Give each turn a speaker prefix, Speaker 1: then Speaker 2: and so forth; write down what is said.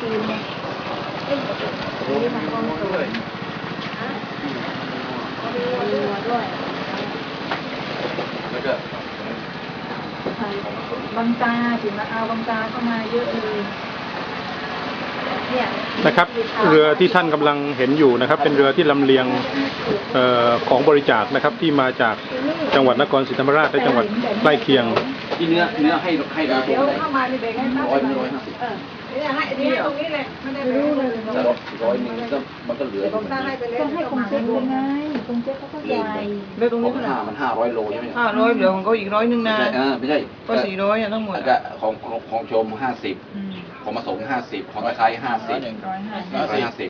Speaker 1: จีนไงมีทางกองสูงมีวัวด้วย
Speaker 2: แล้วก็
Speaker 1: บางตาถึงมาเอาบางตาเข้ามาเยอะเลย
Speaker 3: นะครับเรือที่ท่านกำลังเห็นอยู่นะครับเป็นเรือที่ลำเลียงของบริจาคนะครับที่มาจากจังหวัดนครศรีธรรมราชและจังหวัดใกล้เคียง
Speaker 2: ที่เนื้อให้เรา
Speaker 1: เดี๋ยวเข้ามาในเบรกให้ป้า
Speaker 2: 150
Speaker 1: นี่ให้ตรงนี้เลยไม่ได้รู้เลย
Speaker 2: 100ก็มันก็เหลือ
Speaker 1: ผมตั้งให้ไปเลยต้องให้คงเซ็ตเลยไงคงเซ็ตเขาก็ใหญ่
Speaker 4: เรือตรงนี้เท่าไหร่
Speaker 2: มัน500 โลใช่ไหม
Speaker 4: 500เหลือของเขาอีก100นะ
Speaker 2: ไม่ใช่
Speaker 4: ก็400ทั้งหมด
Speaker 2: ก็ของชม50ของมาส่ง50ของตะไคร้50